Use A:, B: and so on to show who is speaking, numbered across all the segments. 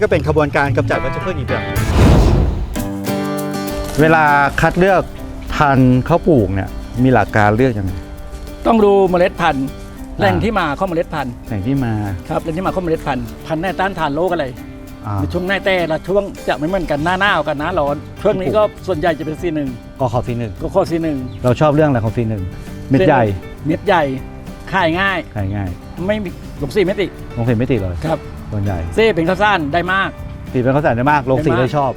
A: ก็เป็นขบวนการกำจัดวัชพืชอีกแบบเวลาคัดเลือกพันธุ์ข้าวปลูกเนี่ยมีหลักการเลือกยังไง
B: ต้องดูเมล็ดพันธุ์แหล่งที่มาของเมล็ดพันธุ์
A: แหล่งที่มา
B: ครับแหล่งที่มาของเมล็ดพันธุ์พันธุ์แน่ต้านทานโรคอะไรในช่วงหน้าแต่ละช่วงจะไม่เหมือนกันหน้าหนาวกับหน้าร้อนช่วงนี้ก็ส่วนใหญ่จะเป็นC1
A: ก็ข้อC1
B: ก็ข้อC1
A: เราชอบเรื่องอะไรของC1เม็ดใหญ่
B: ขายง่ายไม่มีลงสีไม่ติ
A: ลงสีไม่ติเลย
B: ครับ
A: ส่วนใหญ่
B: เซ่เป็นข้าวสารได้มาก
A: สีเป็นข้าวสารได้มากลงสีเลยชอบ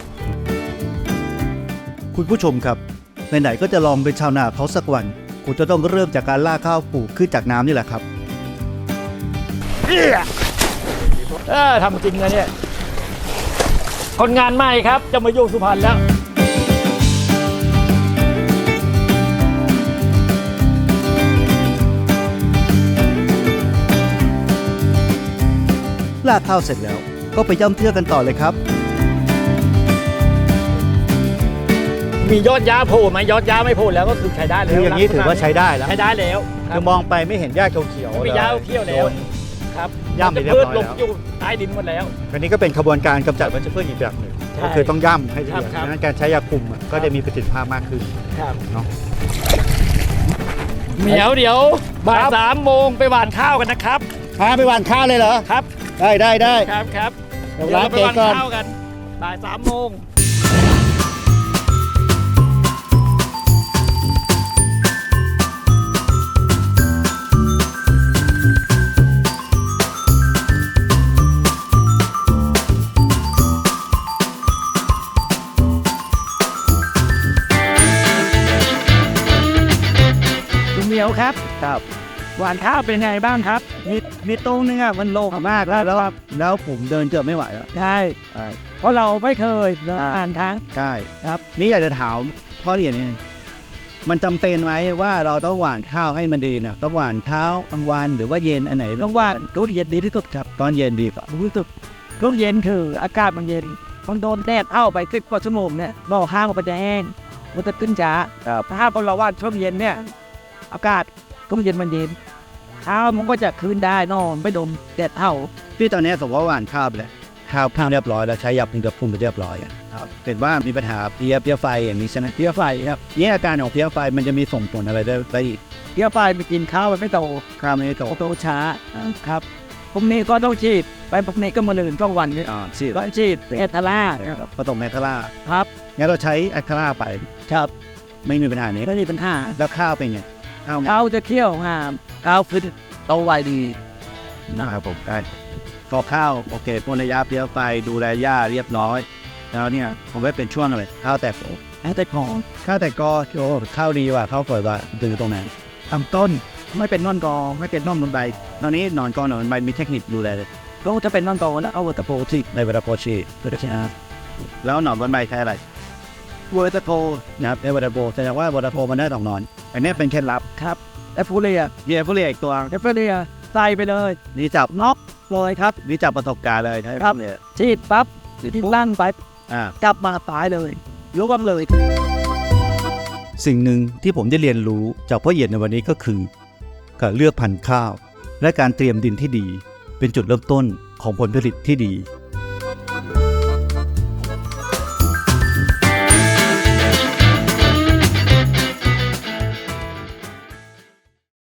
A: คุณผู้ชมครับไหนๆก็จะลองเป็นชาวนาเขาสักวันคุณจะต้องเริ่มจากการล่าข้าวปลูกขึ้นจากน้ำนี่แหละครับ
B: ทำจริงนะเนี่ยคนงานใหม่ครับจะมาอยู่สุพรรณแล้ว
A: ล่าข้าวเสร็จแล้วก็ไปย่ำเทือกกันต่อเลยครับ
B: มียอดหญ้าโผล่ไหมยอดหญ้าไม่โผล่แล้วก็คือใช้ได้แล้ว
A: คืออย่างนี้ถือว่าใช้ได้แล้วคือมองไปไม่เห็นหญ้าเขียว
B: ๆมีหญ้าเขียวแล้วครับ
A: ย่ำไปเรียบร้อยแล้ว
B: อยู่ใต้ดินหมดแล้ว
A: อันนี้ก็เป็นขบวนการกำจัดวัชพืชอีกแบบหนึ่งก็คือต้องย่ำให้ละเอียดดังนั้นการใช้ยาคุมก็จะมีประสิทธิภาพมากขึ้นเนาะ
B: เดี๋ยวบ่าย3 โมงไปหว่านข้าวกันนะครับ
A: พาไปหว่านข้าวเลยเหรอ
B: ครับ
A: ได้
B: ครับ
A: เดี๋ยวเราไปหว่านข้าว
B: กันบ่าย3 โมงเหนียวครับหวานข้าวเป็นไงบ้างครับ
A: มีตรงนึงมันโลกมากแล้วผมเดินเจอไม่ไหวแล้ว
B: ใช่เพราะเราไม่เคยอ่านทาง
A: ใช่ครับนี่อยากจะถามพ่อเรียนนี่มันจำเป็นไหมว่าเราต้องหว่านข้าวให้มันดีนะต้องหว่านเช้ากลางวันหรือว่าเย็นอันไหน
B: ต้องหว่านตอนเย็นดีที่สุดครับ
A: ตอนเย็นดีกว่า
B: รู้สึกตอนเย็นคืออากาศมันเย็นมันโดนแดดเข้าไป10 กว่าชั่วโมงเนี่ยบ่อข้าวมันจะแห้งมันจะขึ้นช้าถ้าเราว่าช่วงเย็นเนี่ยอากาศก็เย็นมันเย็นข้าวมันก็จะคืนได้นอนไม่โดนแดดเท่า
A: พี่ตอนนี้สมมติว่าหว่านข้าวไปเลยข้าวเรียบร้อยแล้วใช้ยาคุมกับพุ่มไปเรียบร้อยครับเห็นว่ามีปัญหาเพลี้ยไฟอย่างนี้ใช่ไหม
B: เพลี้ยไฟครับ
A: นี่อาการของเพลี้ยไฟมันจะมีส่งผลอะไรได้อีก
B: เพลี้ยไฟไปกินข้าวมันไม่โต
A: ข้าวไม่
B: โตช้าครับพวกนี้ก็ต้องฉีดไปพวกนี้ก็มาลื่นต้องวันนี้ฉีดแอทาร่า
A: ผสมแอทาร่า
B: ครับ
A: งั้นเราใช้แอทาร่าไป
B: ครับ
A: ไม่มีปัญหานี้
B: ไม่มีปัญหา
A: แล้วข้าวเป็นไง
B: ข้าวจะเคี่ยวข้าวคือโตไวดี
A: นะครับผมได้พอข้าวโอเคพ่นระยะเพลี้ยไฟดูแลหญ้าเรียบร้อยแล้วเนี่ยผมว่าเป็นช่วงอะไรข้าวแตก
B: กอ
A: ข้าวแตกกอโอ้ข้าวดีว่ะข้าวสวยว่ะดูตรงไหน
B: ลำต้นไม่เป็นนอนกอไม่เป็นนอนบนใบ
A: ตอนนี้นอนกอหนอนใบมีเทคนิคดูแลเลย
B: ก็จะเป็นนอนกอแล้วเอาเวอร์ตโพชี
A: ในเวอร์ตโพชีแล้วหนอนบนใบใช้อะไร
B: เวอร์ตโพ
A: นะครับในเวอร์ตโพแสดงว่าเวอร์ตโพมันได้2 หนอนอันนี้เป็นเคล็ดลับ
B: ครับเอฟฟูเรีย
A: อีกตัว
B: เอฟฟูเรียใส่ไปเลย
A: นี่จับ
B: น็อกเลยครับ
A: นี่จับประสบการณ์เลย
B: ครับฉีดปั๊บที่ลั่นไปกลับมาตายเลยยกกำเลย
A: สิ่งหนึ่งที่ผมได้เรียนรู้จากพ่อเหยียดในวันนี้ก็คือการเลือกพันธุ์ข้าวและการเตรียมดินที่ดีเป็นจุดเริ่มต้นของผลผลิตที่ดี